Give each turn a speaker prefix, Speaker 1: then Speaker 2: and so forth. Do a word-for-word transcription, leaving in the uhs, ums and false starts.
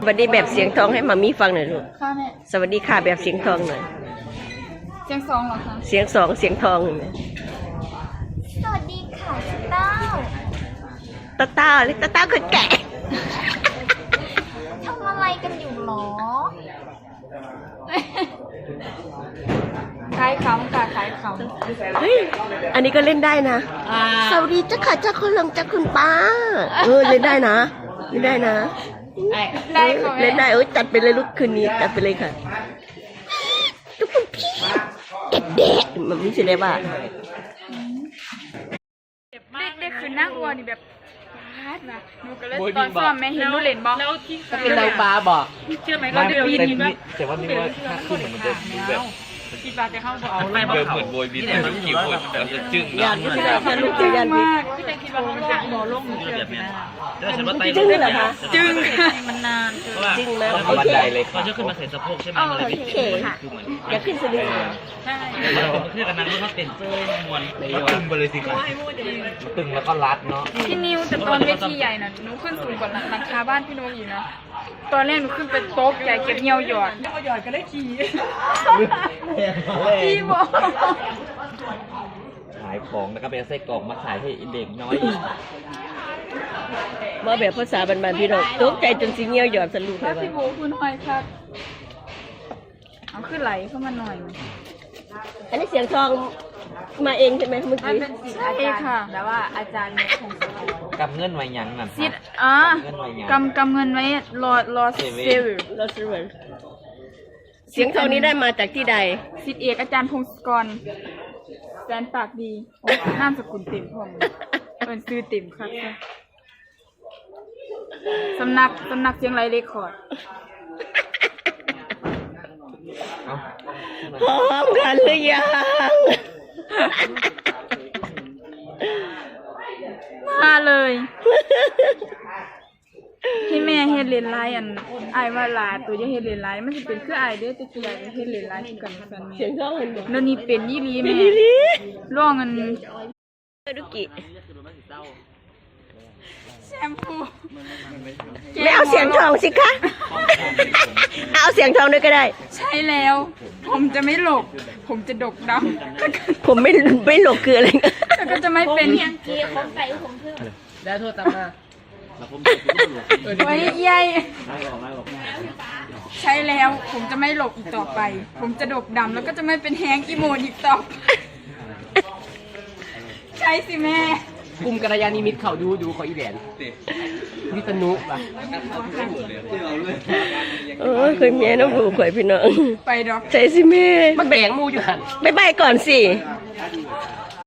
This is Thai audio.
Speaker 1: สวัสดีแบบเสียงทองให้มามีฟังหน่อยลูก
Speaker 2: ค่ะแม่
Speaker 1: สวัสดีค่ะแบบเสียงทองหน่อย
Speaker 2: เสียงสองเหรอคะ
Speaker 1: เสียงสองเสียงทองเลย
Speaker 2: สวัสดีค่ะเต้า
Speaker 1: ตาตาเล็กตาตาคนแก่
Speaker 2: ทำอะไรกันอยู่หรอขายขำค่ะขายขำ
Speaker 1: เฮ้ยอันนี้ก็เล่นได้นะสวัสดีจ้าค่ะจ้าคุณลุงจ้าคุณป้าเออเล่นได้นะเล่นได้นะ
Speaker 2: ได้ค่ะ
Speaker 1: เล่นได้เอ้ยจัดไปเลยลูกคืนนี้จัดไปเลยค่ะทุกคนพี่เด็กๆมันไม่ใช่ได้ป่ะ
Speaker 2: เด็กๆคือนั่งวัวนี่แบบพาดนะหนูก็เลยตอนซ้อมแม่เห็นหนูเล่นบอล
Speaker 3: แล้วที่
Speaker 4: ก็เป็นนางฟ้าบอก
Speaker 3: เชื่อไหม
Speaker 4: มา
Speaker 3: เราเดิน
Speaker 4: เต็ม
Speaker 3: ยิน
Speaker 4: นี่
Speaker 3: ว่า
Speaker 4: แต่ว่านี่ว่าค่าขึ้นมันจะแบบ
Speaker 3: คิดว่าจะเข้าบ่เอา
Speaker 5: ไม่เดิมเหมือนโบยบินแต่มันกี่คนแต่จะจึ้ง
Speaker 1: ยันไม่ใช่ยันลูกจะยัน
Speaker 2: มาก
Speaker 3: พี่แต่คิดว่าเขาจะบ่ลงเชื่อพี่นะ
Speaker 5: แต่ฉันว่าไต
Speaker 1: จึ้งเหรอคะ
Speaker 2: จึง
Speaker 3: มันนาน
Speaker 1: จริงไหม
Speaker 4: บันไดเลย
Speaker 5: เขาจะขึ้นมาใส่สะโพกใช่ไหมมันเลย
Speaker 1: โอเคค่ะอย่าขึ้นสลิง
Speaker 3: ใช่
Speaker 5: เพื่อนกันนั้นเขาเป็นเสื้อมวน
Speaker 4: ก็ตึงไปเลยสิครับตึงแล้วก็รัดเนาะ
Speaker 2: พี่นิวแต่ตอนเวทีใหญ่น่ะหนูขึ้นสูงกว่าหลังคาบ้านพี่โน้อยู่นะตอนแรกหนูขึ้นไปโต๊ะใหญ่เก็บเงียวหยอด
Speaker 3: เอาหยอดก็ได้ขี่
Speaker 2: พี่บอก
Speaker 4: ขายของแล้วก็ไปเอาไส้กรอกมาขายให้เด็กน้อย
Speaker 1: มาแบบภาษาบานๆพี่น้องตกใจจนสิเงี้ยวหยอดสรุปเล
Speaker 2: ถ้าย
Speaker 1: ว่า
Speaker 2: พี่โบคุณหน่อยครับเอาขึ้นไหลเข้ามาหน่อย
Speaker 1: อันนี้เสียงทองมาเองใช่ไหมเมื่อ
Speaker 2: มัน
Speaker 1: กี้
Speaker 2: เป็นสิทธิ์อาจารย์ค่ะแล้วว่าอาจารย์คง
Speaker 4: กับเงื่อนไว้ยังนั่น
Speaker 2: สิทธิ์อ่ากำกำเงินไว้รอรอเซลล์
Speaker 1: เราซื้อมาเสียงทองนี้ได้มาจากที่ใด
Speaker 2: สิทธิ์เอกอาจารย์พงศกรแฟนปากดีโอ้นามสกุลเต็มพร้อมเป็นซื้อเต็มครับสำนักสำนักเสียงไรเรคคอร์ด
Speaker 1: พร้อมกันหรือยัง
Speaker 2: มาเลยให้แม่เฮ็ดเลนไลน์อันอายว่าลาตัวจะเฮ็ดเลนไลน์มันจะเป็นคืออายเด้อแต่ตัวจะเฮ็ดเลนไลน์คือกันแฟนแม่
Speaker 1: เสียงทองมันบอก
Speaker 2: เดี๋ยวนี้เป็นยี่ลี
Speaker 1: เป็
Speaker 2: แม่
Speaker 1: นอีหลี
Speaker 2: ร้องอัน
Speaker 1: ดุกิ
Speaker 2: แชมพู
Speaker 1: ไม่เอาเสียงทองสิคะ เอาเสียงทองด้วยก็ได้
Speaker 2: ใช่แล้ว ผมจะไม่หลบ ผมจะดกดำ
Speaker 1: ผมไม่ไม่หลบคืออะไรกัน
Speaker 2: แล้วก็จะไม่เป็น
Speaker 4: แล้วโทษตามมา
Speaker 2: ไว้ใหญ่ใช่แล้ว ผมจะไม่หลบอีกต่อไป ผมจะดกดำแล้วก็จะไม่เป็นแฮงอีโมนอีกต่อไปใช่สิแม่
Speaker 4: กลุ่มกัลยาณิมิตเขาดูดูเขาอีแหลนวิษณุป่ะ
Speaker 1: โอ้ยเคยเมียน้องผูกข่อยพี่น้อง
Speaker 2: ไปดอก
Speaker 1: ใจสิแม่
Speaker 4: มันแบ่งมูอยู่หัน
Speaker 1: บายบายก่อนสิ
Speaker 2: บ